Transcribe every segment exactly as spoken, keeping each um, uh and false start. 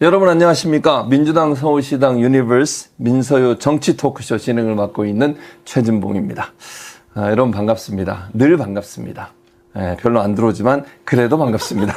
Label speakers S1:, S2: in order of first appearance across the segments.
S1: 여러분 안녕하십니까? 민주당 서울시당 유니버스 민서유 정치 토크쇼 진행을 맡고 있는 최진봉입니다. 아, 여러분 반갑습니다. 늘 반갑습니다. 예, 별로 안 들어오지만 그래도 반갑습니다.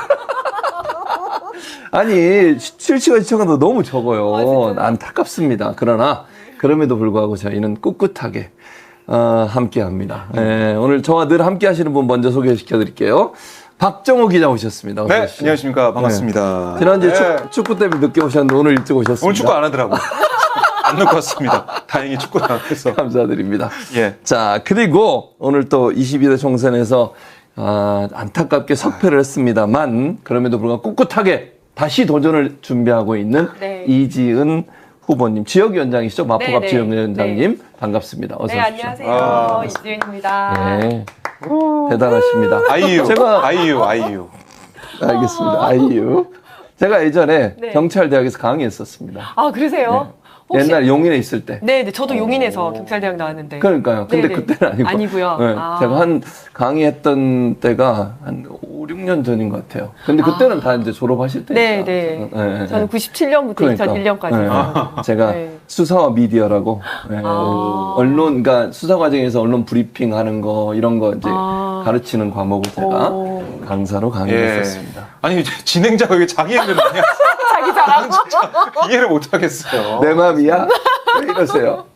S1: 아니 실시간 시청자도 너무 적어요. 아, 안타깝습니다. 그러나 그럼에도 불구하고 저희는 꿋꿋하게 어, 함께합니다. 예, 오늘 저와 늘 함께하시는 분 먼저 소개시켜 드릴게요. 박정호 기자 오셨습니다.
S2: 네,
S1: 오십시오.
S2: 안녕하십니까. 반갑습니다.
S1: 네. 지난주에
S2: 네.
S1: 축, 축구 때문에 늦게 오셨는데 오늘 일찍 오셨습니다.
S2: 오늘 축구 안 하더라고요. 안 놓고 왔습니다. 다행히 축구를 안 해서.
S1: 감사드립니다.
S2: 예.
S1: 자, 그리고 오늘 또 이십이 대 총선에서 아, 안타깝게 석패를 했습니다만 그럼에도 불구하고 꿋꿋하게 다시 도전을 준비하고 있는
S3: 네.
S1: 이지은 후보님, 지역위원장이시죠? 마포갑
S3: 네, 네.
S1: 지역위원장님
S3: 네.
S1: 반갑습니다. 어서
S3: 네,
S1: 오십시오.
S3: 안녕하세요.
S2: 아.
S3: 이지은입니다.
S1: 네. 대단하십니다.
S2: 아이유.
S1: 제가
S2: 아이유, 아이유.
S1: 알겠습니다. 아이유. 제가 예전에
S3: 네.
S1: 경찰대학에서 강의했었습니다.
S3: 아, 그러세요? 혹시-
S1: 옛날 용인에 있을 때.
S3: 네, 네, 저도 용인에서 경찰대학 나왔는데.
S1: 그러니까요. 근데
S3: 네네.
S1: 그때는 아니고.
S3: 아니고요.
S1: 네,
S3: 아.
S1: 제가 한 강의했던 때가 한 오, 육 년 전인 것 같아요. 근데 그때는 다 이제 졸업하실 때니까.
S3: 네, 네.
S1: 네, 네.
S3: 저는 구십칠 년부터
S1: 그러니까.
S3: 이천일 년까지.
S1: 네. 제가
S3: 네.
S1: 수사와 미디어라고 네.
S3: 아.
S1: 언론, 그러니까 수사 과정에서 언론 브리핑 하는 거 이런 거 이제
S3: 아.
S1: 가르치는 과목을 제가
S3: 오.
S1: 강사로 강의했었습니다.
S2: 예. 아니, 이제 진행자가 왜 자기 얘기를 많이 하세요?
S3: 자기 자랑.
S2: 이해를 못 하겠어요.
S1: 내 맘이야? 왜 이러세요?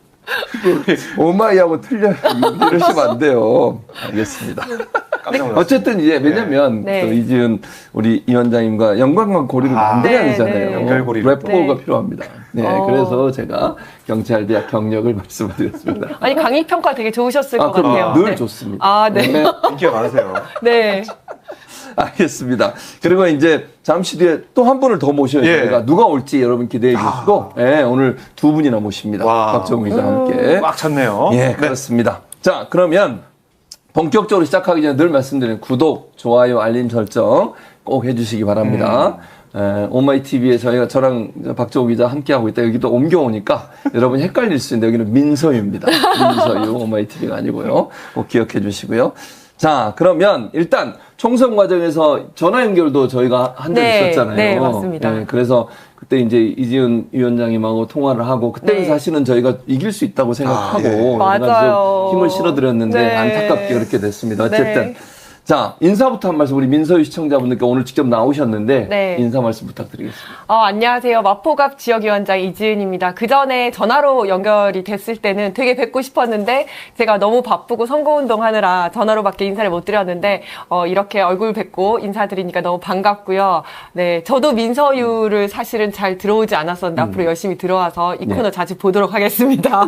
S1: 오마이하고 틀려 이러시면 안 돼요. 알겠습니다.
S2: 깜짝 놀랐어요.
S1: 어쨌든 이제 왜냐면
S3: 네.
S1: 또 이지은 우리 이 원장님과 연관과 고리를
S2: 아,
S1: 만들어야
S3: 네,
S1: 되잖아요.
S3: 네.
S2: 연결고리를.
S1: 래퍼가
S3: 네.
S1: 필요합니다. 네,
S3: 어.
S1: 그래서 제가 경찰대학 경력을 말씀드렸습니다.
S3: 아니, 강의 평가 되게 좋으셨을
S1: 아,
S3: 것
S1: 그럼
S3: 같아요.
S1: 늘
S3: 네.
S1: 좋습니다.
S3: 아, 네.
S2: 인기가 많으세요.
S3: 네.
S1: 알겠습니다. 그리고 이제 잠시 뒤에 또 한 분을 더 모셔야
S2: 예.
S1: 저희가 누가 올지 여러분 기대해 주시고 예, 오늘 두 분이나 모십니다.
S2: 와.
S1: 박정우 기자와
S3: 음.
S1: 함께.
S2: 꽉 찼네요.
S1: 예, 그렇습니다. 자, 그러면 본격적으로 시작하기 전에 늘 말씀드리는 구독, 좋아요, 알림 설정 꼭 해주시기 바랍니다. 에, 오마이티비에 저희가 저랑 박정우 기자 함께하고 있다. 여기도 옮겨오니까 여러분 헷갈릴 수 있는데 여기는 민서유입니다. 민서유, 오마이티비가 아니고요. 꼭 기억해 주시고요. 자, 그러면 일단 총선 과정에서 전화 연결도 저희가 한 적
S3: 네,
S1: 있었잖아요.
S3: 네, 맞습니다.
S1: 예, 그래서 그때 이제 이지은 위원장님하고 통화를 하고 그때는
S3: 네.
S1: 사실은 저희가 이길 수 있다고 생각하고
S2: 아, 예.
S1: 그래가지고
S3: 맞아요.
S1: 힘을 실어드렸는데
S3: 네.
S1: 안타깝게 그렇게 됐습니다. 어쨌든
S3: 네.
S1: 자, 인사부터 한 말씀 우리 민서유 시청자분들께 오늘 직접 나오셨는데
S3: 네.
S1: 인사 말씀 부탁드리겠습니다.
S3: 어, 안녕하세요. 마포갑 지역위원장 이지은입니다. 그 전에 전화로 연결이 됐을 때는 되게 뵙고 싶었는데 제가 너무 바쁘고 선거운동 하느라 전화로밖에 인사를 못 드렸는데 어, 이렇게 얼굴 뵙고 인사드리니까 너무 반갑고요. 네, 저도 민서유를 사실은 잘 들어오지 않았었는데 앞으로 열심히 들어와서 이 코너
S1: 네.
S3: 자주 보도록 하겠습니다.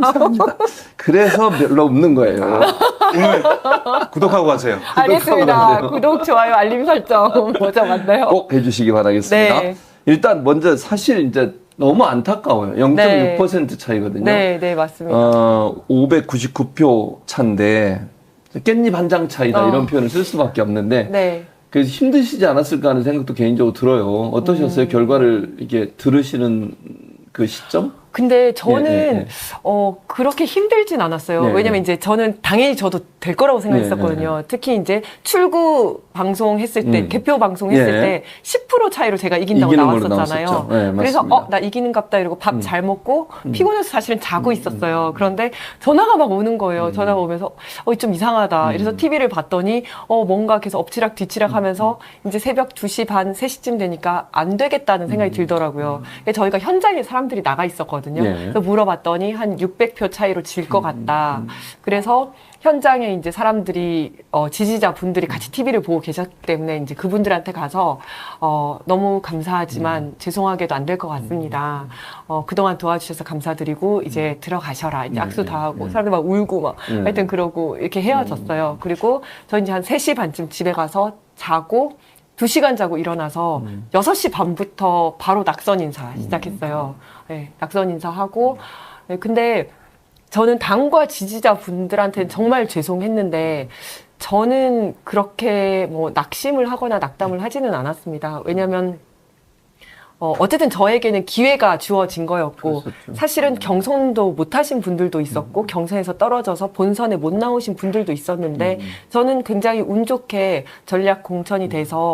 S1: 그래서 별로 없는 거예요.
S2: 오늘 구독하고 가세요.
S3: 알겠습니다.
S1: 돼요.
S3: 구독, 좋아요, 알림 설정 먼저 만나요.
S1: 꼭 해주시기 바라겠습니다.
S3: 네.
S1: 일단 먼저 사실 이제 너무 안타까워요. 영 점 육 퍼센트 차이거든요.
S3: 네, 네, 맞습니다.
S1: 어, 오백구십구 표 차인데 깻잎 한 장 차이다
S3: 어.
S1: 이런 표현을 쓸 수밖에 없는데
S3: 네.
S1: 그래서 힘드시지 않았을까 하는 생각도 개인적으로 들어요. 어떠셨어요?
S3: 음.
S1: 결과를 이게 들으시는 그 시점?
S3: 근데 저는
S1: 예, 예, 예.
S3: 어 그렇게 힘들진 않았어요.
S1: 네,
S3: 왜냐면
S1: 네.
S3: 이제 저는 당연히 저도 될 거라고 생각했었거든요.
S1: 네,
S3: 특히 이제 출구 방송했을 때
S1: 음.
S3: 개표 방송했을
S1: 예.
S3: 때 십 퍼센트 차이로 제가 이긴다고
S1: 이기는 걸로
S3: 나왔었잖아요.
S1: 나왔었죠. 네,
S3: 그래서
S1: 맞습니다.
S3: 어 나 이기는갑다 이러고 밥 잘 먹고 피곤해서 사실은 자고 있었어요. 그런데 전화가 막 오는 거예요.
S1: 음.
S3: 전화가 오면서 어 좀 이상하다. 이래서 티비를 봤더니 어 뭔가 계속 엎치락 뒤치락 하면서 이제 새벽 두 시 반, 세 시쯤 되니까 안 되겠다는 생각이 들더라고요. 근데 저희가 현장에 사람들이 나가 있었거든요.
S1: 예.
S3: 그래서 물어봤더니 한 육백 표 차이로 질 것 같다. 그래서 현장에 이제 사람들이 어, 지지자 분들이 같이 티비를 보고 계셨기 때문에 이제 그분들한테 가서 어, 너무 감사하지만 죄송하게도 안 될 것 같습니다. 어, 그동안 도와주셔서 감사드리고 이제 들어가셔라. 이제 악수 다 하고 사람들 막 울고 막
S1: 음.
S3: 하여튼 그러고 이렇게 헤어졌어요. 그리고 저 이제 한 세 시 반쯤 집에 가서 자고 두 시간 자고 일어나서 여섯 시 반부터 바로 낙선 인사 시작했어요. 네, 낙선 인사하고 네, 근데 저는 당과 지지자 분들한테는 정말 죄송했는데 저는 그렇게 뭐 낙심을 하거나 낙담을 하지는 않았습니다. 왜냐하면 어, 어쨌든 저에게는 기회가 주어진 거였고
S1: 그랬었죠.
S3: 사실은 경선도 못 하신 분들도 있었고 경선에서 떨어져서 본선에 못 나오신 분들도 있었는데 저는 굉장히 운 좋게 전략 공천이 돼서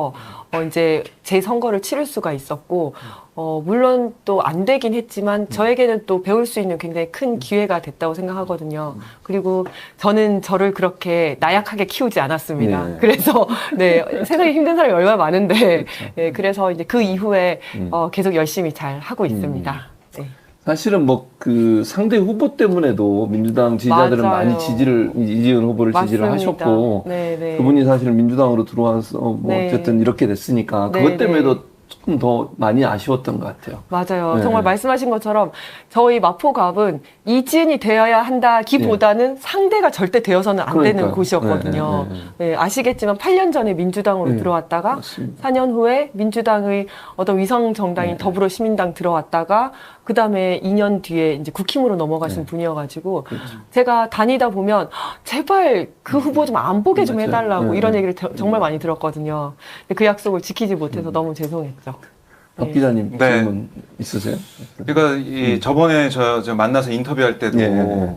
S3: 어, 이제 제 선거를 치를 수가 있었고, 어, 물론 또 안 되긴 했지만 저에게는 또 배울 수 있는 굉장히 큰 기회가 됐다고 생각하거든요. 그리고 저는 저를 그렇게 나약하게 키우지 않았습니다.
S1: 네.
S3: 그래서 네, 세상에 힘든 사람이 얼마나 많은데, 예, 그래서 이제 그 이후에
S1: 음.
S3: 어, 계속 열심히 잘 하고 있습니다. 네.
S1: 사실은 뭐 그 상대 후보 때문에도 민주당 지지자들은
S3: 맞아요.
S1: 많이 지지를 이지은 후보를 지지를
S3: 맞습니다.
S1: 하셨고
S3: 네, 네.
S1: 그분이 사실 민주당으로 들어와서 뭐
S3: 네.
S1: 어쨌든 이렇게 됐으니까
S3: 네,
S1: 그것 때문에도
S3: 네.
S1: 조금 더 많이 아쉬웠던 것 같아요.
S3: 맞아요.
S1: 네.
S3: 정말 말씀하신 것처럼 저희 마포갑은 이지은이 되어야 한다기보다는 상대가 절대 되어서는 안 되는
S1: 그러니까요.
S3: 곳이었거든요.
S1: 네, 네, 네.
S3: 네, 아시겠지만 팔 년 전에 민주당으로
S1: 네,
S3: 들어왔다가
S1: 맞습니다.
S3: 사 년 후에 민주당의 어떤 위성 정당인
S1: 네.
S3: 더불어시민당 들어왔다가 그 다음에 이 년 뒤에 이제 국힘으로 넘어가신
S1: 네.
S3: 분이어가지고
S1: 그렇죠.
S3: 제가 다니다 보면 제발 그 후보 좀 안 보게 좀
S1: 맞아요.
S3: 해달라고
S1: 네,
S3: 이런
S1: 네.
S3: 얘기를 저- 정말 많이 들었거든요. 근데 그 약속을 지키지 못해서 너무 죄송했죠.
S1: 박 기자님
S2: 네.
S1: 질문 있으세요?
S2: 그러니까 이 저번에 저, 저 만나서 인터뷰할 때도
S1: 예.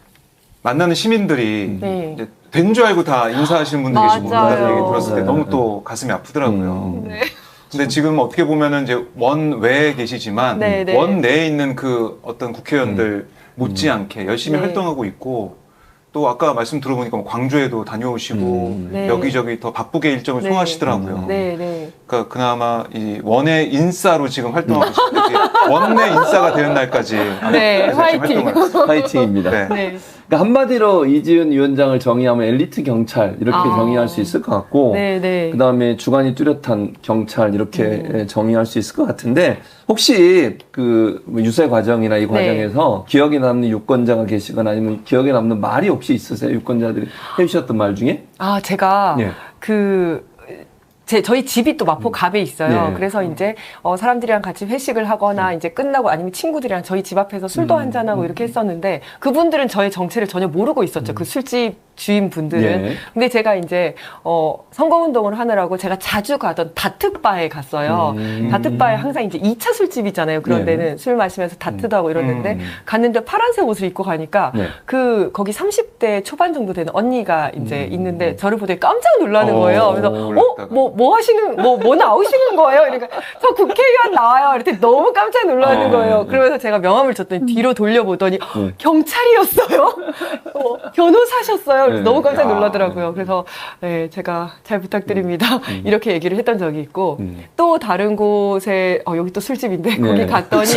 S2: 만나는 시민들이
S3: 네.
S2: 이제 된 줄 알고 다 인사하시는 분들 계시고
S3: 맞아요.
S2: 그런 얘기 들었을 때
S1: 네.
S2: 너무 또 가슴이 아프더라고요.
S1: 음.
S3: 네.
S2: 근데 지금 어떻게 보면은 이제 원 외에 계시지만
S3: 네, 네.
S2: 원 내에 있는 그 어떤 국회의원들 못지않게 열심히
S3: 네.
S2: 활동하고 있고 또 아까 말씀 들어보니까 뭐 광주에도 다녀오시고
S1: 음.
S3: 네.
S2: 여기저기 더 바쁘게 일정을
S3: 네.
S2: 소화하시더라고요.
S3: 네, 네.
S2: 그러니까 그나마 이 원의 인싸로 지금 활동하고 싶은데 원내 인싸가 되는 날까지
S3: 네,
S2: 열심히
S3: 화이팅.
S2: 활동을
S1: 파이팅입니다.
S2: 네.
S3: 네.
S1: 그러니까 한마디로 이지은 위원장을 정의하면 엘리트 경찰 이렇게
S3: 아.
S1: 정의할 수 있을 것 같고
S3: 네, 네.
S1: 그다음에 주관이 뚜렷한 경찰 이렇게
S3: 음.
S1: 정의할 수 있을 것 같은데 혹시 그 유세 과정이나 이
S3: 네.
S1: 과정에서 기억에 남는 유권자가 계시거나 아니면 기억에 남는 말이 혹시 있으세요? 유권자들이 해주셨던 말 중에?
S3: 아, 제가
S1: 예.
S3: 그 제, 저희 집이 또 마포갑에 있어요.
S1: 네.
S3: 그래서 이제, 어, 사람들이랑 같이 회식을 하거나, 이제 끝나고 아니면 친구들이랑 저희 집 앞에서 술도
S1: 음.
S3: 한잔하고 이렇게 했었는데, 그분들은 저의 정체를 전혀 모르고 있었죠. 그 술집 주인분들은.
S1: 예.
S3: 근데 제가 이제, 어, 선거운동을 하느라고 제가 자주 가던 다트바에 갔어요.
S1: 음.
S3: 다트바에 항상 이제 이 차 술집이잖아요. 그런
S1: 네.
S3: 데는 술 마시면서 다트도 하고 이러는데,
S2: 음.
S3: 갔는데 파란색 옷을 입고 가니까,
S1: 네.
S3: 그, 거기 삼십 대 초반 정도 되는 언니가 이제
S1: 음.
S3: 있는데, 저를 보더니 깜짝 놀라는
S2: 어,
S3: 거예요. 그래서,
S2: 놀랐다가.
S3: 어? 뭐, 뭐 하시는, 뭐, 뭐 나오시는 거예요? 그러니까, 저 국회의원 나와요. 이랬더니 너무 깜짝 놀라는
S2: 어.
S3: 거예요. 그러면서 제가 명함을 줬더니 뒤로 돌려보더니,
S1: 네.
S3: 경찰이었어요? 어, 변호사셨어요? 그래서
S1: 네.
S3: 너무 깜짝
S2: 야.
S3: 놀라더라고요. 그래서, 네, 제가 잘 부탁드립니다. 이렇게 얘기를 했던 적이 있고,
S1: 음.
S3: 또 다른 곳에, 어, 여기 또 술집인데,
S1: 네.
S3: 거기 갔더니,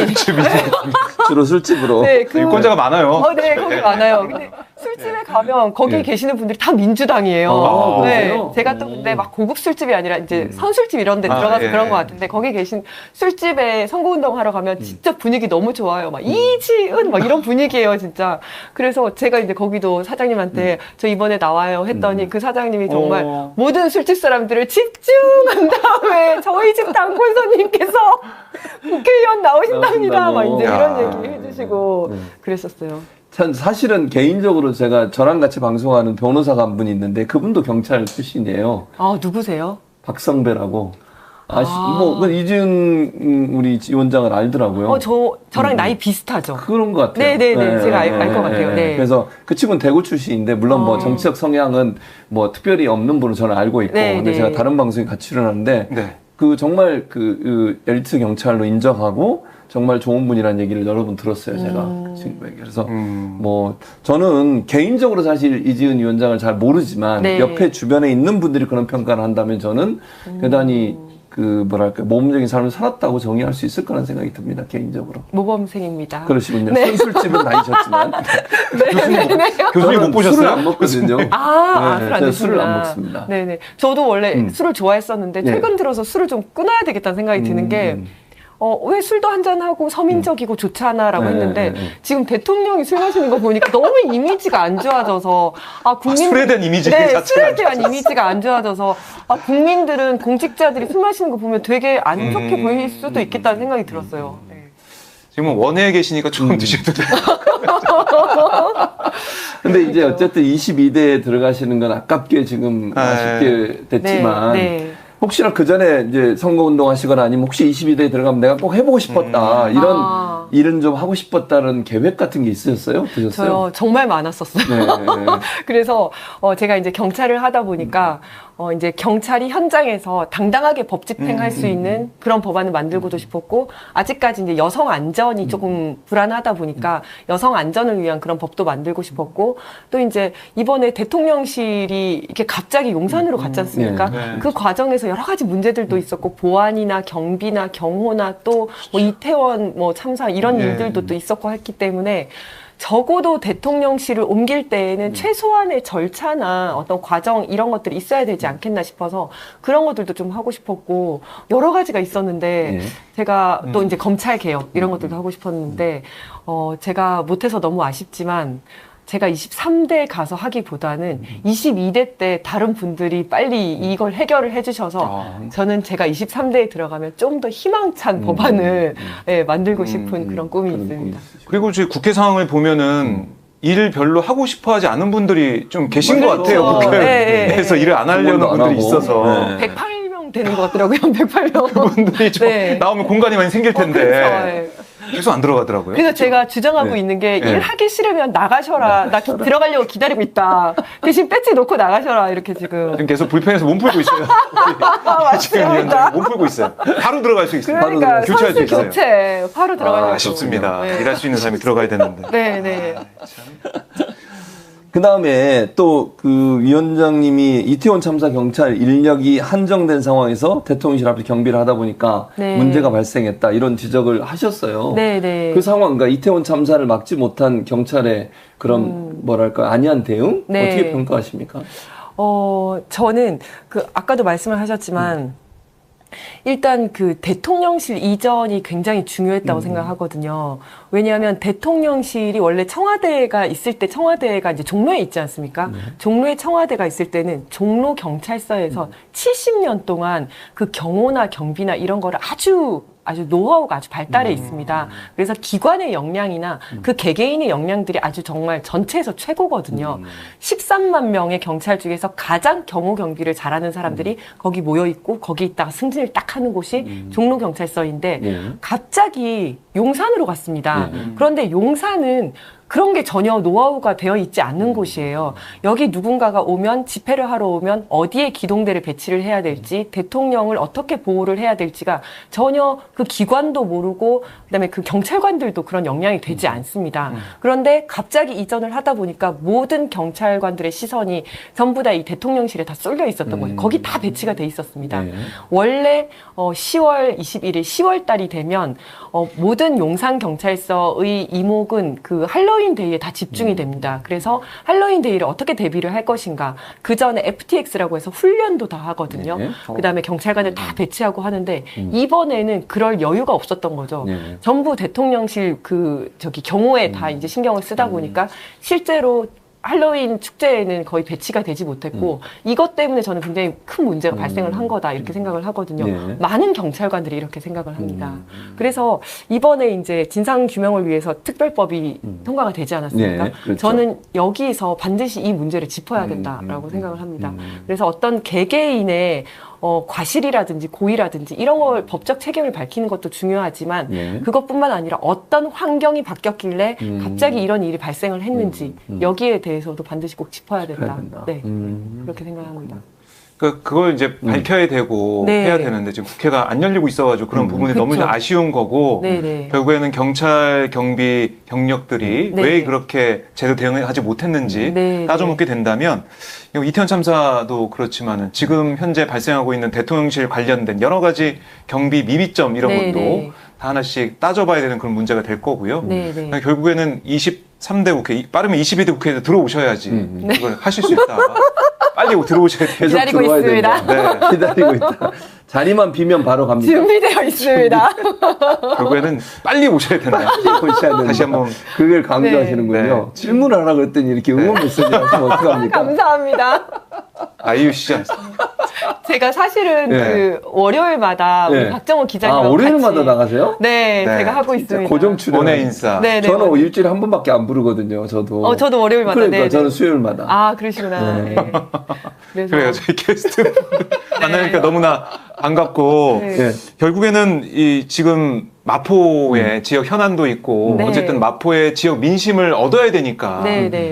S1: 주로 술집으로.
S3: 네, 그,
S2: 유권자가 많아요.
S3: 어, 네, 거기 많아요. 근데 술집에 가면 거기
S1: 네.
S3: 계시는 분들이 다 민주당이에요.
S1: 아,
S3: 네,
S1: 그러세요?
S3: 제가 또 근데 막 고급 술집이 아니라 이제
S1: 음.
S3: 선술집 이런 데
S2: 아,
S3: 들어가서
S2: 예,
S3: 그런
S2: 예.
S3: 것 같은데 거기 계신 술집에 선거운동 하러 가면
S1: 음.
S3: 진짜 분위기 너무 좋아요. 막 이지은 막 이런 분위기예요, 진짜. 그래서 제가 이제 거기도 사장님한테 저 이번에 나와요 했더니
S1: 음.
S3: 그 사장님이 정말
S2: 어.
S3: 모든 술집 사람들을 집중한 다음에 저희 집 당권 손님께서 국회의원 나오신답니다. 막 이제
S2: 나오신다고.
S3: 이런 얘기 해주시고
S1: 네.
S3: 그랬었어요.
S1: 참 사실은 개인적으로 제가 저랑 같이 방송하는 변호사가 한 분이 있는데 그분도 경찰 출신이에요.
S3: 아, 누구세요?
S1: 박성배라고. 아시,
S3: 아.
S1: 뭐, 그 이지은 음, 우리 위원장을 알더라고요.
S3: 어, 저, 저랑
S1: 음.
S3: 나이 비슷하죠.
S1: 그런 것 같아요.
S3: 네네네. 제가 알- 알것 같아요. 네.
S1: 그래서 그 친구는 대구 출신인데, 물론 뭐
S3: 어.
S1: 정치적 성향은 뭐 특별히 없는 분은 저는 알고 있고,
S3: 네,
S1: 근데
S3: 네.
S1: 제가 다른 방송에 같이 출연하는데,
S2: 네.
S1: 그 정말 그, 그 엘리트 경찰로 인정하고, 정말 좋은 분이라는 얘기를 여러 번 들었어요, 제가.
S3: 음.
S1: 그 친구에게. 그래서
S2: 음.
S1: 뭐 저는 개인적으로 사실 이지은 위원장을 잘 모르지만
S3: 네.
S1: 옆에 주변에 있는 분들이 그런 평가를 한다면 저는 대단히 그 뭐랄까 모범적인 삶을 살았다고 정의할 수 있을 거라는 생각이 듭니다, 개인적으로.
S3: 모범생입니다.
S1: 그러시군요.
S3: 네.
S1: 선술집은 다니셨지만
S3: 네네네.
S2: 교수님 못
S1: 저는
S2: 보셨어요?
S1: 술을 안 먹거든요.
S3: 아,
S1: 네,
S3: 술 안
S1: 저는
S3: 드시구나.
S1: 술을 안 먹습니다.
S3: 네네. 저도 원래
S1: 음.
S3: 술을 좋아했었는데
S1: 네.
S3: 최근 들어서 술을 좀 끊어야 되겠다는 생각이 드는
S1: 음,
S3: 게
S1: 음.
S3: 어, 왜 술도 한잔하고 서민적이고 좋잖아라고
S1: 네,
S3: 했는데
S1: 네, 네.
S3: 지금 대통령이 술 마시는 거 보니까 너무 이미지가 안 좋아져서 아, 국민
S2: 술에 대한 이미지
S3: 네,
S2: 자체가
S3: 술에
S2: 안
S3: 대한
S2: 좋아졌어.
S3: 이미지가 안 좋아져서 아, 국민들은 공직자들이 술 마시는 거 보면 되게 안 좋게
S2: 음.
S3: 보일 수도 있겠다는 생각이 들었어요. 네.
S2: 지금 원회에 계시니까
S1: 음.
S2: 조금 드셔도 돼요.
S1: 근데 이제
S3: 그렇죠.
S1: 어쨌든 이십이 대에 들어가시는 건 아깝게 지금
S2: 아,
S1: 아쉽게 됐지만
S3: 네, 네.
S1: 혹시나 그 전에 이제 선거운동 하시거나 아니면 혹시 이십이 대에 들어가면 내가 꼭 해보고 싶었다. 이런
S3: 아.
S1: 일은 좀 하고 싶었다는 계획 같은 게 있으셨어요? 드셨어요?
S3: 저요 정말 많았었어요.
S1: 네.
S3: 그래서 어, 제가 이제 경찰을 하다 보니까 어, 이제 경찰이 현장에서 당당하게 법 집행할
S2: 음,
S3: 수
S2: 음,
S3: 있는 그런 법안을 만들고도 싶었고, 아직까지 이제 여성 안전이 조금 불안하다 보니까 여성 안전을 위한 그런 법도 만들고 싶었고, 또 이제 이번에 대통령실이 이렇게 갑자기 용산으로 갔지 않습니까?
S2: 네. 네.
S3: 그 과정에서 여러 가지 문제들도 있었고, 보안이나 경비나 경호나 또 뭐 이태원 뭐 참사 이런
S2: 네.
S3: 일들도 또 있었고 했기 때문에 적어도 대통령실을 옮길 때에는 최소한의 절차나 어떤 과정 이런 것들이 있어야 되지 않겠나 싶어서 그런 것들도 좀 하고 싶었고 여러 가지가 있었는데
S1: 예.
S3: 제가 또 이제 검찰 개혁 이런 것들도 하고 싶었는데 어 제가 못해서 너무 아쉽지만 제가 이십삼 대 가서 하기보다는 이십이 대 때 다른 분들이 빨리 이걸 해결을 해주셔서
S2: 아.
S3: 저는 제가 이십삼 대에 들어가면 좀 더 희망찬
S1: 음.
S3: 법안을 예, 만들고 싶은
S2: 음.
S3: 그런 꿈이
S1: 그런
S3: 있습니다.
S1: 꿈이
S2: 그리고 저희 국회 상황을 보면은 일을 별로 하고 싶어하지 않은 분들이 좀 계신 것
S1: 그렇죠.
S2: 같아요.
S3: 네,
S2: 국회에서
S3: 네,
S2: 일을 안 하려는
S1: 공부도 안
S2: 분들이
S1: 하고.
S2: 있어서
S1: 네.
S3: 백팔 명 되는 것 같더라고요. 백팔 명.
S2: 그분들이 좀
S3: 네.
S2: 나오면 공간이 많이 생길 텐데
S3: 어, 그렇죠. 예.
S2: 계속 안 들어가더라고요.
S3: 그래서 제가 주장하고
S2: 네.
S3: 있는 게
S2: 네.
S3: 일하기 싫으면 나가셔라. 나 기- 들어가려고 기다리고 있다. 대신 배지 놓고 나가셔라. 이렇게 지금.
S2: 지금 계속 불편해서 몸 풀고 있어요. 지금
S3: 맞습니다.
S2: 위원장님 몸 풀고 있어요. 바로 들어갈 수 있어요.
S3: 그러니까
S2: 교체할 수
S3: 선수
S2: 있어요.
S3: 교체 바로 들어가려고.
S2: 아, 아쉽습니다.
S3: 네.
S2: 일할 수 있는 사람이 들어가야 되는데.
S3: 네, 네.
S1: 그 다음에 또 그 위원장님이 이태원 참사 경찰 인력이 한정된 상황에서 대통령실 앞에 경비를 하다 보니까
S3: 네.
S1: 문제가 발생했다 이런 지적을 하셨어요.
S3: 네, 네.
S1: 그 상황, 그러니까 이태원 참사를 막지 못한 경찰의 그런 뭐랄까 안이한 대응
S3: 네.
S1: 어떻게 평가하십니까?
S3: 어, 저는 그 아까도 말씀을 하셨지만 일단 그 대통령실 이전이 굉장히 중요했다고 생각하거든요. 왜냐하면 대통령실이 원래 청와대가 있을 때 청와대가 이제 종로에 있지 않습니까? 종로에 청와대가 있을 때는 종로 경찰서에서 칠십 년 동안 그 경호나 경비나 이런 거를 아주 아주 노하우가 아주 발달해 있습니다. 그래서 기관의 역량이나 그 개개인의 역량들이 아주 정말 전체에서 최고거든요. 십삼만 명의 경찰 중에서 가장 경호 경비를 잘하는 사람들이 거기 모여 있고 거기 있다가 승진을 딱 하는 곳이 종로 경찰서인데
S1: 네.
S3: 갑자기 용산으로 갔습니다.
S1: 네.
S3: 그런데 용산은 그런 게 전혀 노하우가 되어 있지 않는 곳이에요. 여기 누군가가 오면 집회를 하러 오면 어디에 기동대를 배치를 해야 될지 대통령을 어떻게 보호를 해야 될지가 전혀 그 기관도 모르고 그다음에 그 경찰관들도 그런 역량이 되지 않습니다. 그런데 갑자기 이전을 하다 보니까 모든 경찰관들의 시선이 전부 다 이 대통령실에 다 쏠려 있었던 거예요. 거기 다 배치가 돼 있었습니다.
S1: 네.
S3: 원래 어, 시월 이십일일 시월 달이 되면 어, 모든 용산 경찰서의 이목은 그 할로윈 데이에 다 집중이 됩니다. 그래서 할로윈 데이를 어떻게 대비를 할 것인가. 그 전에 에프티엑스라고 해서 훈련도 다 하거든요.
S1: 네.
S3: 그 다음에 경찰관을 다 배치하고 하는데 이번에는 그럴 여유가 없었던 거죠.
S1: 네.
S3: 전부 대통령실 그 저기 경호에 다 이제 신경을 쓰다 보니까 실제로 할로윈 축제에는 거의 배치가 되지 못했고 이것 때문에 저는 굉장히 큰 문제가 발생을 한 거다 이렇게 생각을 하거든요.
S1: 네.
S3: 많은 경찰관들이 이렇게 생각을 합니다. 그래서 이번에 이제 진상 규명을 위해서 특별법이 통과가 되지 않았습니까?
S1: 네, 그렇죠.
S3: 저는 여기서 반드시 이 문제를 짚어야 된다라고 생각을 합니다. 그래서 어떤 개개인의 어, 과실이라든지 고의라든지 이런 걸 법적 책임을 밝히는 것도 중요하지만
S1: 네.
S3: 그것뿐만 아니라 어떤 환경이 바뀌었길래
S1: 음.
S3: 갑자기 이런 일이 발생을 했는지
S1: 음, 음.
S3: 여기에 대해서도 반드시 꼭 짚어야 된다.
S1: 짚어야 된다.
S3: 네,
S1: 음.
S3: 그렇게 생각합니다.
S2: 그 그걸 이제 밝혀야 되고
S3: 네.
S2: 해야 되는데 지금 국회가 안 열리고 있어가지고 그런
S1: 음.
S2: 부분이
S3: 그쵸.
S2: 너무 좀 아쉬운 거고
S3: 네, 네.
S2: 결국에는 경찰 경비 경력들이
S3: 네.
S2: 왜 그렇게 제대로 대응하지 못했는지
S3: 네,
S2: 따져먹게 된다면 이거 이태원 참사도 그렇지만은 지금 현재 발생하고 있는 대통령실 관련된 여러 가지 경비 미비점 이런
S3: 네,
S2: 것도
S3: 네.
S2: 다 하나씩 따져봐야 되는 그런 문제가 될 거고요.
S3: 네, 네.
S2: 그러니까 결국에는 이십삼 대 국회, 빠르면 이십이 대 국회에 들어오셔야지
S1: 음.
S2: 그걸 하실 수 있다. 빨리 들어오셔야 돼요.
S1: 계속
S3: 기다리고
S1: 들어와야
S3: 있습니다.
S1: 된다. 기다리고 있다. 자리만 비면 바로 갑니다.
S3: 준비되어 있습니다.
S2: 결국에는 빨리 오셔야 된다.
S1: 오셔야 된다.
S2: 다시 한번
S1: 그걸 강조하시는군요.
S2: 네.
S1: 질문을 하라 그랬더니 이렇게 응원 메시지 하시면 어떡합니까?
S3: 감사합니다.
S2: 아이유 시장.
S3: 제가 사실은
S1: 네.
S3: 그 월요일마다
S1: 네.
S3: 우리 박정호 기자님
S1: 아, 월요일마다 나가세요?
S3: 네,
S2: 네.
S3: 제가 하고 있습니다.
S1: 고정 출연.
S2: 원의 인싸.
S3: 네, 네.
S1: 저는 일주일에 한 번밖에 안 부르거든요. 저도.
S3: 어, 저도 월요일마다.
S1: 그러니까
S3: 네, 네.
S1: 저는 수요일마다.
S3: 아, 그러시구나.
S1: 네.
S3: 네. 그래서
S2: 그래요. 저희 게스트 만나니까 너무나 반갑고
S3: 네.
S1: 네.
S2: 결국에는 이 지금 마포의 지역 현안도 있고
S3: 네.
S2: 어쨌든 마포의 지역 민심을 얻어야 되니까
S3: 네, 네.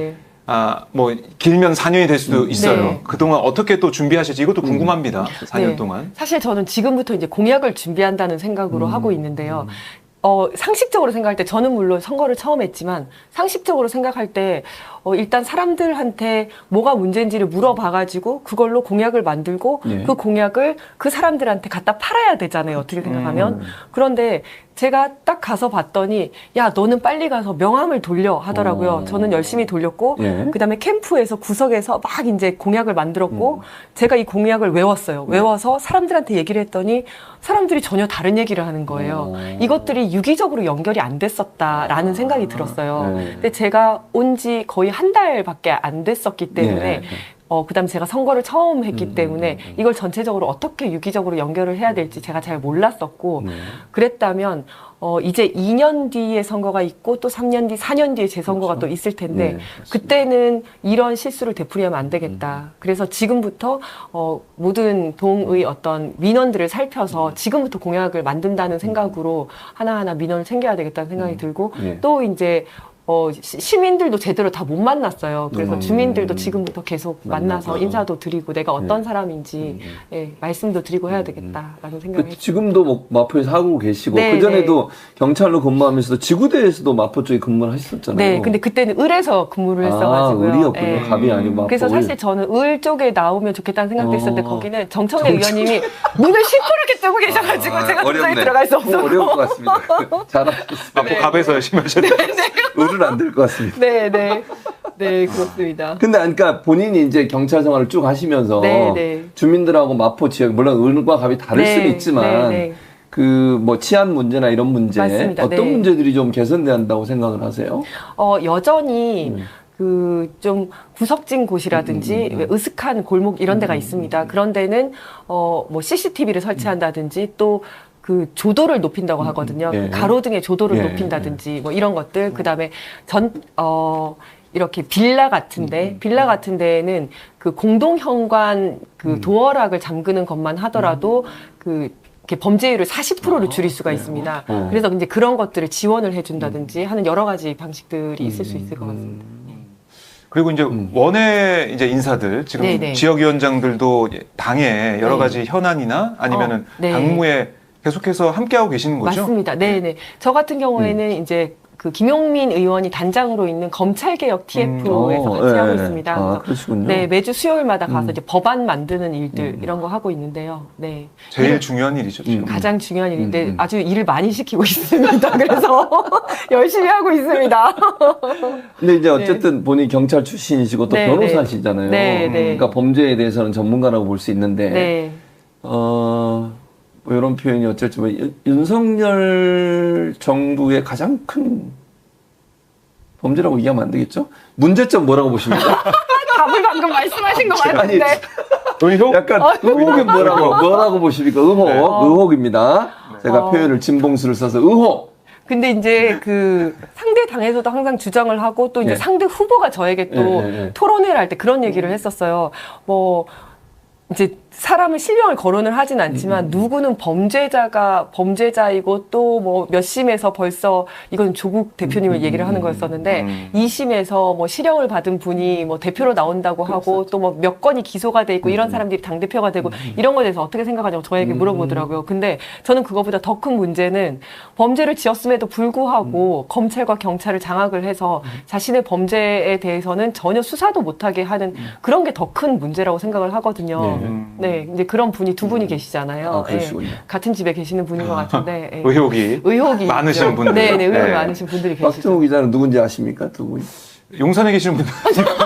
S2: 아, 뭐 길면 사 년이 될 수도 있어요.
S3: 네.
S2: 그동안 어떻게 또 준비하실지 이것도 궁금합니다. 사 년
S3: 네.
S2: 동안.
S3: 사실 저는 지금부터 이제 공약을 준비한다는 생각으로
S1: 음.
S3: 하고 있는데요. 어, 상식적으로 생각할 때 저는 물론 선거를 처음 했지만 상식적으로 생각할 때 어, 일단 사람들한테 뭐가 문제인지를 물어봐가지고 그걸로 공약을 만들고
S1: 예.
S3: 그 공약을 그 사람들한테 갖다 팔아야 되잖아요. 어떻게 생각하면. 그런데 제가 딱 가서 봤더니 야 너는 빨리 가서 명함을 돌려 하더라고요.
S1: 어.
S3: 저는 열심히 돌렸고
S1: 예.
S3: 그다음에 캠프에서 구석에서 막 이제 공약을 만들었고 제가 이 공약을 외웠어요. 외워서 사람들한테 얘기를 했더니 사람들이 전혀 다른 얘기를 하는 거예요.
S1: 어.
S3: 이것들이 유기적으로 연결이 안 됐었다라는 생각이 들었어요.
S1: 네.
S3: 근데 제가 온 지 거의 한 달밖에 안 됐었기 때문에
S1: 네.
S3: 어, 그 다음에 제가 선거를 처음 했기
S1: 음,
S3: 때문에
S1: 음, 음.
S3: 이걸 전체적으로 어떻게 유기적으로 연결을 해야 될지 제가 잘 몰랐었고
S1: 네.
S3: 그랬다면 어, 이제 이 년 뒤에 선거가 있고 또 삼 년 뒤, 사 년 뒤에 재선거가
S1: 그렇죠.
S3: 또 있을 텐데
S1: 네,
S3: 그때는 이런 실수를 되풀이하면 안 되겠다. 그래서 지금부터 어, 모든 동의 어떤 민원들을 살펴서 지금부터 공약을 만든다는 생각으로 하나하나 민원을 챙겨야 되겠다는 생각이 들고
S1: 네.
S3: 또 이제 어, 시- 시민들도 제대로 다 못 만났어요. 그래서
S1: 음.
S3: 주민들도 지금부터 계속 만나서
S1: 만나서.
S3: 인사도 드리고 내가 어떤
S1: 네.
S3: 사람인지
S1: 음.
S3: 예, 말씀도 드리고 해야 되겠다라는 생각이
S1: 그
S3: 했어요.
S1: 지금도 뭐 마포에서 하고 계시고
S3: 네,
S1: 그 전에도 경찰로 근무하면서도 지구대에서도 마포 쪽에 근무를 하셨었잖아요.
S3: 네, 근데 그때는 을에서 근무를
S1: 아,
S3: 했어가지고요.
S1: 을이었군요.
S3: 예.
S1: 갑이 아니고 마포.
S3: 그래서
S1: 을.
S3: 사실 저는 을 쪽에 나오면 좋겠다는 생각도
S1: 어.
S3: 있었는데 거기는 정청래 의원님이 문을 시퍼렇게 뜨고 계셔가지고
S1: 아,
S3: 제가 도저히
S1: 어렵네.
S3: 들어갈 수
S1: 어,
S3: 없어서.
S1: 어려울 것 같습니다. 잘하셨습니다.
S2: 마포 갑에서 열심히 하셨네요.
S1: 을은 안 될 것 같습니다.
S3: 네, 네, 네 그렇습니다.
S1: 근데 그러니까 본인이 이제 경찰 생활을 쭉 하시면서
S3: 네, 네.
S1: 주민들하고 마포 지역 물론 을과 갑이 다를
S3: 네,
S1: 수는 있지만
S3: 네, 네.
S1: 그 뭐 치안 문제나 이런 문제
S3: 맞습니다.
S1: 어떤
S3: 네.
S1: 문제들이 좀 개선돼야 한다고 생각을 하세요?
S3: 어, 여전히
S1: 음.
S3: 그 좀 구석진 곳이라든지 왜 으슥한 골목 이런 데가 있습니다. 그런 데는 어, 뭐 씨씨티비를 설치한다든지 또 그 조도를 높인다고 하거든요.
S1: 예.
S3: 가로등의 조도를
S1: 예.
S3: 높인다든지 뭐 이런 것들. 그다음에 전 어, 이렇게 빌라 같은데 빌라 같은 데에는 그 공동 현관 그 도어락을 잠그는 것만 하더라도 그 이렇게 범죄율을 사십 퍼센트를 줄일 수가 있습니다.
S1: 어.
S3: 그래서 이제 그런 것들을 지원을 해준다든지 하는 여러 가지 방식들이 있을 수 있을 것 같습니다.
S2: 그리고 이제
S1: 음.
S2: 원외 이제 인사들 지금
S3: 네네.
S2: 지역위원장들도 당에 여러
S3: 네.
S2: 가지 현안이나 아니면은
S3: 어, 네.
S2: 당무에 계속해서 함께하고 계시는 거죠?
S3: 맞습니다. 네네. 저 같은 경우에는 이제 그 김용민 의원이 단장으로 있는 검찰개혁 티에프에서
S1: 어,
S3: 같이
S1: 예,
S3: 하고
S1: 예.
S3: 있습니다.
S1: 아,
S3: 그래서
S1: 그러시군요.
S3: 네, 매주 수요일마다 가서
S1: 음.
S3: 이제 법안 만드는 일들
S1: 음.
S3: 이런 거 하고 있는데요. 네.
S2: 제일
S3: 일을
S2: 중요한 일이죠. 지금.
S1: 음.
S3: 가장 중요한 일인데
S1: 음, 음.
S3: 아주 일을 많이 시키고 있습니다. 그래서 열심히 하고 있습니다.
S1: 근데 이제 어쨌든 본인이 경찰 출신이시고 또
S3: 네,
S1: 변호사시잖아요.
S3: 네, 네.
S1: 그러니까 범죄에 대해서는 전문가라고 볼 수 있는데
S3: 네.
S1: 어, 뭐 이런 표현이 어쩔지 뭐 윤- 윤석열 정부의 가장 큰 범죄라고 얘기하면 안 되겠죠? 문제점 뭐라고 보십니까?
S3: 답을 방금 말씀하신 것
S1: 아니,
S3: 같은데.
S2: 의혹?
S1: 약간 의혹이 뭐라고 뭐라고 보십니까? 의혹,
S2: 네.
S1: 의혹입니다. 제가
S3: 어.
S1: 표현을 진봉수를 써서 의혹.
S3: 근데 이제 그 상대 당에서도 항상 주장을 하고 또 이제
S1: 예.
S3: 상대 후보가 저에게 또
S1: 예, 예, 예.
S3: 토론회를 할 때 그런 얘기를 했었어요. 뭐 이제 사람을 실명을 거론을 하진 않지만
S1: 음,
S3: 누구는 범죄자가 범죄자이고 또 뭐 몇 심에서 벌써 이건 조국 대표님을
S1: 음,
S3: 얘기를 하는
S1: 음,
S3: 거였었는데
S2: 음.
S3: 이 심에서 뭐 실형을 받은 분이 뭐 대표로 나온다고 하고 또 뭐 몇 건이 기소가 돼 있고 이런 사람들이 당 대표가 되고 이런 거에 대해서 어떻게 생각하냐고 저에게
S1: 음.
S3: 물어보더라고요. 근데 저는 그거보다 더 큰 문제는 범죄를 지었음에도 불구하고
S1: 음.
S3: 검찰과 경찰을 장악을 해서 자신의 범죄에 대해서는 전혀 수사도 못하게 하는 그런 게 더 큰 문제라고 생각을 하거든요.
S1: 네.
S2: 음.
S3: 네, 이제 그런 분이 두 분이 계시잖아요.
S1: 아, 그러시군요.
S3: 예, 같은 집에 계시는 분인 것 같은데 예.
S2: 의혹이
S3: 의혹이
S2: 많으신
S3: 있죠.
S2: 분들.
S3: 네, 네, 의혹이
S2: 네.
S3: 많으신 분들이 계시죠.
S1: 박정우 기자는 누군지 아십니까? 두 분.
S2: 용산에 계시는 분들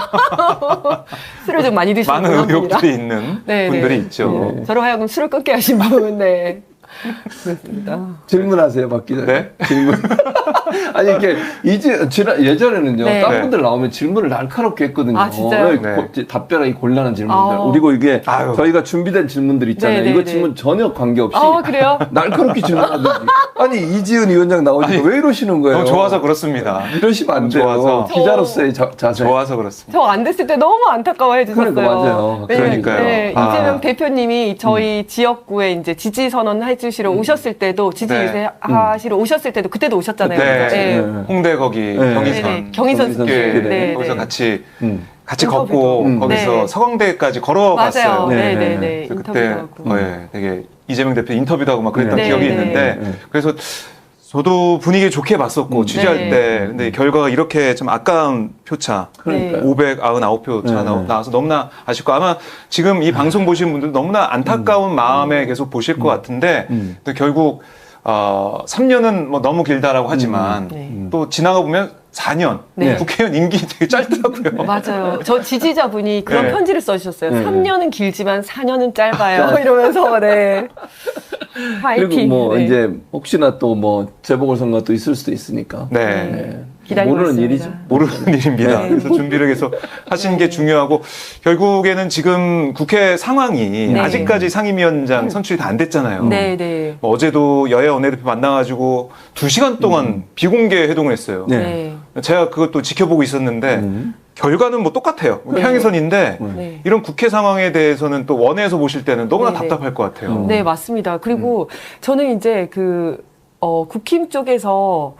S3: 술을 좀 많이 드시는
S2: 많은
S3: 분입니다.
S2: 의혹들이 있는
S3: 네,
S2: 분들이
S3: 네.
S2: 있죠.
S1: 네.
S3: 저로 하여금 술을 끊게 하신 분, 네. 그렇습니다.
S1: 질문하세요, 박 기자.
S2: 네?
S1: 질문. 아니 이게 이제 지난 예전에는요,
S3: 네.
S1: 딴
S2: 네.
S1: 분들 나오면 질문을 날카롭게 했거든요.
S3: 아, 진짜요?
S1: 네,
S2: 네.
S1: 고- 답변하기 곤란한 질문들.
S3: 아.
S1: 그리고 이게
S2: 아유.
S1: 저희가 준비된 질문들 있잖아요.
S3: 네, 네,
S1: 이거
S3: 네.
S1: 질문 전혀 관계없이
S3: 아, 그래요?
S1: 날카롭게 질문하든지. 아니 이지은 위원장 나오니까
S2: 아니,
S1: 왜 이러시는 거예요?
S2: 너무 좋아서 그렇습니다.
S1: 이러시면 안 돼요.
S2: 좋아서.
S1: 기자로서의 자, 자세.
S2: 좋아서 그렇습니다.
S3: 저 안 됐을 때 너무 안타까워해 주셨어요.
S1: 그러니까 맞아요.
S3: 왜냐면,
S2: 그러니까요.
S3: 네,
S2: 아.
S3: 이재명 대표님이 저희 지역구에 이제 지지 선언 해주시러 오셨을 때도 지지
S2: 네.
S3: 유세 하시러 오셨을 때도 그때도 오셨잖아요.
S2: 네, 네.
S3: 네.
S2: 홍대 거기
S1: 네.
S2: 경의선,
S3: 네네. 경의선
S1: 경의선
S2: 숲길
S1: 숲길에.
S3: 네,
S2: 거기서
S3: 네.
S2: 같이
S1: 음.
S2: 같이
S3: 인터뷰도.
S2: 걷고
S1: 음.
S2: 거기서
S3: 네.
S2: 서강대까지 걸어갔어요.
S3: 맞아요.
S1: 네,
S3: 네네네.
S1: 네.
S2: 그래서
S3: 인터뷰도
S2: 그때
S3: 하고.
S2: 어, 예, 되게 이재명 대표 인터뷰도 하고 막 그랬던
S1: 네.
S2: 기억이
S3: 네,
S2: 있는데
S1: 네.
S2: 그래서 저도 분위기 좋게 봤었고
S1: 음.
S2: 취재할
S3: 네.
S2: 때 근데 결과가 이렇게 좀 아까운 표차
S1: 그러니까요.
S2: 오백구십구 표 차
S1: 네,
S2: 나-
S1: 네.
S2: 나와서 너무나 아쉽고 아마 지금 이 방송 보시는 분들 너무나 안타까운 마음에 계속 보실 것 같은데
S1: 음.
S2: 또 결국 어, 삼 년은 뭐 너무 길다라고 하지만
S3: 네.
S2: 또 지나가 보면 사 년
S3: 네.
S2: 국회의원 임기 되게 짧더라고요.
S3: 맞아요. 저 지지자분이 그런
S2: 네.
S3: 편지를 써주셨어요.
S1: 네.
S3: 삼 년은 길지만 사 년은 짧아요. 이러면서, 네. 파이팅.
S1: 그리고 뭐
S3: 네.
S1: 이제 혹시나 또 뭐 재보궐선거 또 있을 수도 있으니까.
S2: 네.
S1: 네.
S3: 기다리고
S1: 모르는
S3: 있습니다.
S1: 일이죠.
S2: 모르는 일입니다.
S3: 네.
S2: 그래서 준비를 계속 하시는 게
S3: 네.
S2: 중요하고 결국에는 지금 국회 상황이
S3: 네.
S2: 아직까지 상임위원장 선출이 다 안 됐잖아요.
S3: 네, 네.
S2: 뭐 어제도 여야 원내대표 만나가지고 두 시간 동안 비공개 회동을 했어요.
S1: 네.
S3: 네.
S2: 제가 그것도 지켜보고 있었는데
S1: 음.
S2: 결과는 뭐 똑같아요.
S3: 네.
S2: 평행선인데
S3: 네.
S2: 이런 국회 상황에 대해서는 또 원에서 보실 때는 너무나
S3: 네, 네.
S2: 답답할 것 같아요.
S1: 음.
S3: 네, 맞습니다. 그리고 저는 이제 그, 어, 국힘 쪽에서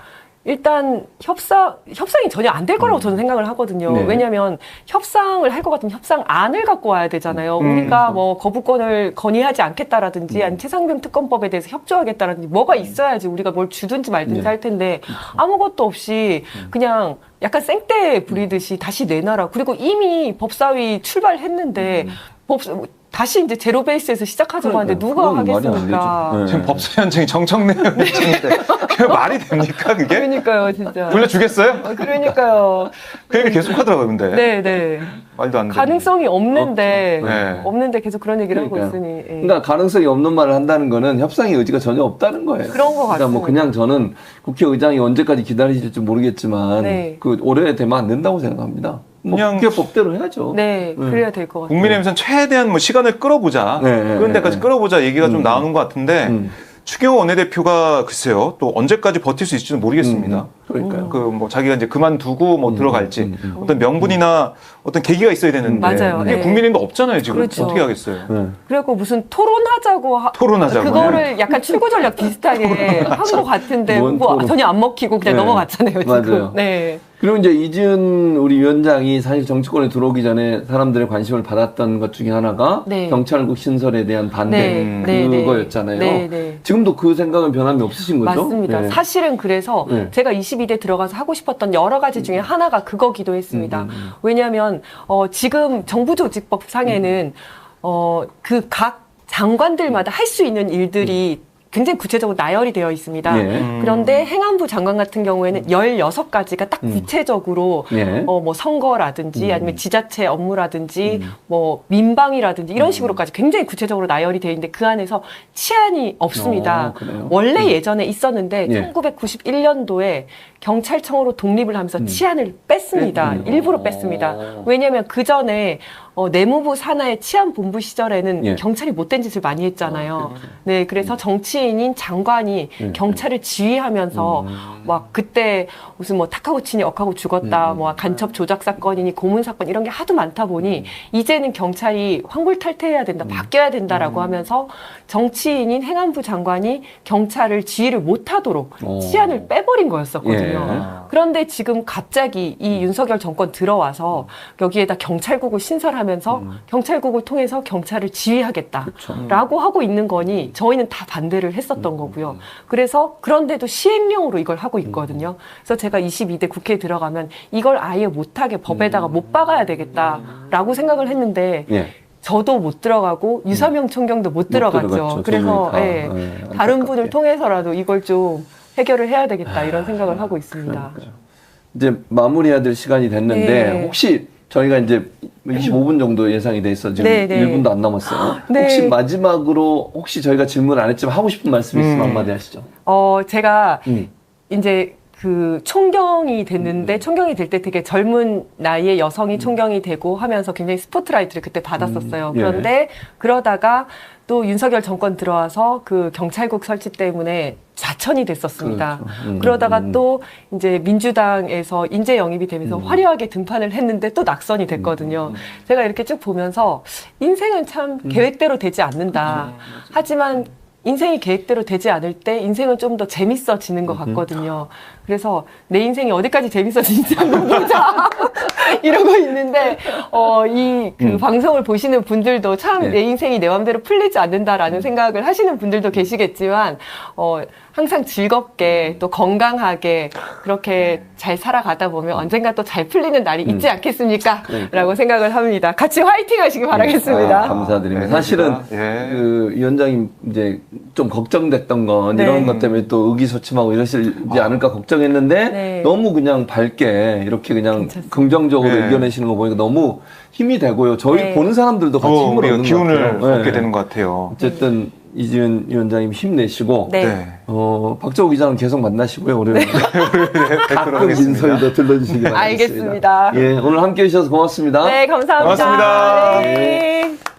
S3: 일단 협상, 협상이 전혀 안 될 거라고 저는 생각을 하거든요.
S1: 네.
S3: 왜냐하면 협상을 할 것 같으면 협상안을 갖고 와야 되잖아요.
S2: 음.
S3: 우리가 뭐 거부권을 건의하지 않겠다라든지
S1: 음.
S3: 아니면 최상병 특검법에 대해서 협조하겠다라든지 뭐가 있어야지 우리가 뭘 주든지 말든지
S1: 네.
S3: 할 텐데 아무것도 없이 그냥 약간 생떼 부리듯이 다시 내놔라. 그리고 이미 법사위 출발했는데 법 다시 이제 제로 베이스에서 시작하자고 하는데 누가
S1: 그건 말이 안
S3: 하겠습니까?
S1: 되죠. 네.
S2: 지금 법사 현장이 정청래 현장인데 그게 말이 됩니까 그게?
S3: 그러니까요, 진짜.
S2: 돌려주겠어요?
S3: 어, 그러니까요.
S2: 그 얘기 계속 하더라고요 근데
S3: 네, 네.
S2: 말도 안 돼.
S3: 가능성이 없는데
S2: 없죠. 네.
S3: 없는데 계속 그런 얘기를
S1: 그러니까요.
S3: 하고 있으니. 예.
S1: 그러니까 가능성이 없는 말을 한다는 거는 협상의 의지가 전혀 없다는 거예요.
S3: 그런 것
S1: 그러니까 뭐
S3: 같습니다.
S1: 그냥 저는 국회의장이 언제까지 기다리실지 모르겠지만
S3: 네.
S1: 그 올해 되면 안 된다고 생각합니다. 뭐
S2: 그냥
S1: 국회법대로 해야죠.
S3: 네,
S1: 네.
S3: 그래야 될 것 같아요.
S2: 국민의힘에서는 최대한 뭐 시간을 끌어보자
S1: 네, 네,
S2: 그런 데까지
S1: 네.
S2: 끌어보자 얘기가 좀
S1: 음.
S2: 나오는 것 같은데
S1: 음.
S2: 추경호 원내대표가 글쎄요 또 언제까지 버틸 수 있을지는 모르겠습니다.
S1: 음, 그러니까요.
S2: 그 뭐 자기가 이제 그만두고 뭐
S1: 음,
S2: 들어갈지
S1: 음, 음.
S2: 어떤 명분이나 어떤 계기가 있어야 되는데
S3: 맞아요.
S2: 이게
S3: 네.
S2: 국민의힘도 없잖아요 지금
S3: 그렇죠.
S2: 어떻게 하겠어요?
S1: 네.
S3: 그리고 무슨 토론하자고 하,
S2: 토론하자고.
S3: 그거를 약간 출구 전략 비슷하게 한 것 같은데
S1: 뭔
S3: 뭐
S1: 토론.
S3: 전혀 안 먹히고 그냥
S1: 네.
S3: 넘어갔잖아요 지금.
S1: 맞아요.
S3: 네.
S1: 그리고 이제 이준 우리 위원장이 사실 정치권에 들어오기 전에 사람들의 관심을 받았던 것 중에 하나가
S3: 네.
S1: 경찰국 신설에 대한 반대
S3: 네, 네, 네.
S1: 그거였잖아요.
S3: 네, 네.
S1: 지금도 그 생각은 변함이 없으신 거죠?
S3: 맞습니다.
S1: 네.
S3: 사실은 그래서
S1: 네.
S3: 제가 이십이 대 들어가서 하고 싶었던 여러 가지 중에 하나가 그거기도 했습니다.
S1: 음, 음, 음.
S3: 왜냐하면 어, 지금 정부조직법 상에는 어, 그 각 장관들마다 할 수 있는 일들이 굉장히 구체적으로 나열이 되어 있습니다.
S1: 예.
S2: 음.
S3: 그런데 행안부 장관 같은 경우에는 열여섯 가지가 딱 구체적으로
S1: 예.
S3: 어, 뭐 선거라든지
S1: 음.
S3: 아니면 지자체 업무라든지
S1: 음.
S3: 뭐 민방이라든지 이런 식으로까지 굉장히 구체적으로 나열이 되어 있는데 그 안에서 치안이 없습니다.
S1: 어, 그래요?
S3: 원래
S1: 음.
S3: 예전에 있었는데
S1: 예.
S3: 천구백구십일 년도에 경찰청으로 독립을 하면서
S1: 음.
S3: 치안을 뺐습니다.
S1: 뺐군요.
S3: 일부러 뺐습니다.
S1: 어.
S3: 왜냐하면 그 전에 어, 내무부 산하의 치안본부 시절에는
S1: 예.
S3: 경찰이 못된 짓을 많이 했잖아요.
S1: 아, 그렇죠.
S3: 네, 그래서 정치인인 장관이
S1: 예,
S3: 경찰을 지휘하면서
S1: 음.
S3: 막 그때 무슨 뭐 탁하고 치니 억하고 죽었다,
S1: 음.
S3: 뭐 간첩 조작 사건이니 고문 사건 이런 게 하도 많다 보니 이제는 경찰이 황골탈퇴해야 된다, 바뀌어야 된다라고
S1: 음.
S3: 하면서 정치인인 행안부 장관이 경찰을 지휘를 못하도록
S1: 오.
S3: 치안을 빼버린 거였었거든요.
S1: 예.
S3: 그런데 지금 갑자기 이 윤석열 정권 들어와서 여기에다 경찰국을 신설하면서
S1: 음.
S3: 경찰국을 통해서 경찰을 지휘하겠다라고
S1: 그렇죠.
S3: 하고 있는 거니 저희는 다 반대를 했었던
S1: 음.
S3: 거고요. 그래서 그런데도 시행령으로 이걸 하고 있거든요. 그래서 제가 이십이 대 국회에 들어가면 이걸 아예 못하게 법에다가 못 박아야 되겠다라고 생각을 했는데
S1: 예.
S3: 저도 못 들어가고 유사명 총경도 못 들어갔죠.
S1: 들어갔죠.
S3: 그래서
S1: 두 분이 다.
S3: 예,
S1: 예,
S3: 다른
S1: 안타깝게.
S3: 분을 통해서라도 이걸 좀 해결을 해야 되겠다 이런 생각을 하고 있습니다.
S1: 그러니까요. 이제 마무리해야 될 시간이 됐는데
S3: 네.
S1: 혹시 저희가 이제 이십오 분 정도 예상이 돼 있어 지금
S3: 네, 네.
S1: 일 분도 안 남았어요.
S3: 네.
S1: 혹시 마지막으로 혹시 저희가 질문 안 했지만 하고 싶은 말씀 있으면
S2: 음.
S1: 한마디 하시죠.
S3: 어, 제가
S1: 음.
S3: 이제 그 총경이 됐는데 총경이 될 때 되게 젊은 나이의 여성이 총경이 되고 하면서 굉장히 스포트라이트를 그때 받았었어요.
S1: 음, 예.
S3: 그런데 그러다가 또 윤석열 정권 들어와서 그 경찰국 설치 때문에 좌천이 됐었습니다.
S1: 그렇죠. 음,
S3: 그러다가
S1: 음.
S3: 또 이제 민주당에서 인재 영입이 되면서
S1: 음.
S3: 화려하게 등판을 했는데 또 낙선이 됐거든요. 제가 이렇게 쭉 보면서 인생은 참 계획대로 되지 않는다. 하지만 인생이 계획대로 되지 않을 때 인생은 좀 더 재밌어지는 것 같거든요. 그래서 내 인생이 어디까지 재밌어지는지 한번 보자 이러고 있는데 어, 이 그
S1: 음.
S3: 방송을 보시는 분들도 참
S1: 네.
S3: 내 인생이 내 마음대로 풀리지 않는다라는 생각을 하시는 분들도 계시겠지만 어, 항상 즐겁게 또 건강하게 그렇게 잘 살아가다 보면 언젠가 또 잘 풀리는 날이 있지 않겠습니까?
S1: 그러니까.
S3: 라고 생각을 합니다. 같이 화이팅 하시기 바라겠습니다.
S1: 아, 감사드립니다.
S2: 네,
S1: 사실은
S2: 예.
S1: 그 위원장님 이제 좀 걱정됐던 건
S3: 네.
S1: 이런 것 때문에 또 의기소침하고 이러시지 않을까 걱정했는데
S3: 네.
S1: 너무 그냥 밝게 이렇게 그냥
S3: 괜찮습니다.
S1: 긍정적으로
S2: 네.
S1: 이겨내시는 거 보니까 너무 힘이 되고요. 저희
S3: 네.
S1: 보는 사람들도 같이
S2: 더
S1: 힘을
S2: 우리가
S1: 얻는
S2: 기운을
S1: 것 같아요.
S2: 얻게
S1: 네.
S2: 되는 것 같아요.
S1: 어쨌든 이지은 위원장님 힘내시고
S3: 네.
S1: 어, 박정우 기자는 계속 만나시고요. 우리
S2: 네,
S1: 가끔
S2: 하겠습니다.
S1: 인서에도 들러주시기 바라겠습니다.
S3: 알겠습니다.
S1: 예, 오늘 함께 해주셔서 고맙습니다.
S3: 네, 감사합니다.
S2: 고맙습니다.
S3: 네.